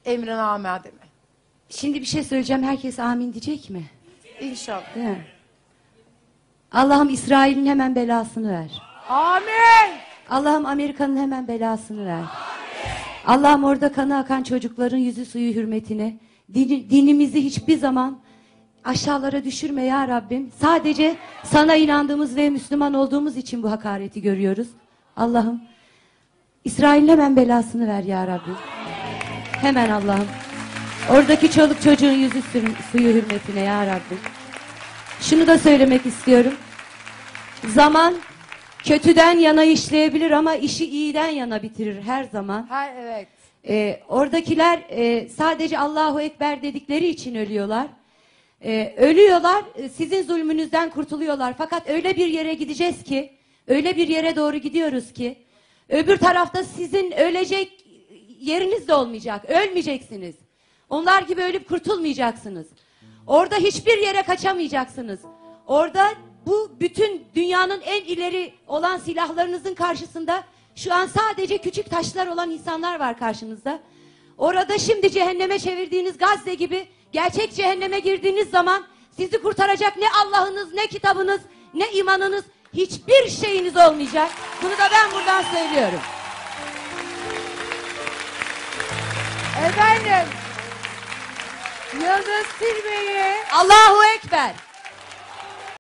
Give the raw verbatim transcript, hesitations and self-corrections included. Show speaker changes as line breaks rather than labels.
Emrine mi?
Şimdi bir şey söyleyeceğim. Herkes amin diyecek mi?
İnşallah.
Değil mi? Allah'ım İsrail'in hemen belasını ver.
Amin.
Allah'ım Amerika'nın hemen belasını ver. Allah'ım orada kanı akan çocukların yüzü suyu hürmetine din, dinimizi hiçbir zaman aşağılara düşürme ya Rabbim. Sadece sana inandığımız ve Müslüman olduğumuz için bu hakareti görüyoruz. Allah'ım İsrail'in hemen belasını ver ya Rabbim. Hemen Allah'ım. Oradaki çoluk çocuğun yüzü suyu hürmetine ya Rabbim. Şunu da söylemek istiyorum. Zaman kötüden yana işleyebilir ama işi iyiden yana bitirir her zaman.
Ha, evet.
Ee, oradakiler e, sadece Allahu Ekber dedikleri için ölüyorlar. Ee, ölüyorlar, sizin zulmünüzden kurtuluyorlar. Fakat öyle bir yere gideceğiz ki, öyle bir yere doğru gidiyoruz ki, öbür tarafta sizin ölecek yeriniz de olmayacak, ölmeyeceksiniz. Onlar gibi ölüp kurtulmayacaksınız. Orada hiçbir yere kaçamayacaksınız. Orada bu bütün dünyanın en ileri olan silahlarınızın karşısında şu an sadece küçük taşlar olan insanlar var karşınızda. Orada şimdi cehenneme çevirdiğiniz Gazze gibi gerçek cehenneme girdiğiniz zaman sizi kurtaracak ne Allah'ınız, ne kitabınız, ne imanınız, hiçbir şeyiniz olmayacak. Bunu da ben buradan söylüyorum.
Efendim, Yıldız Tilbe'yi
Allahu Ekber.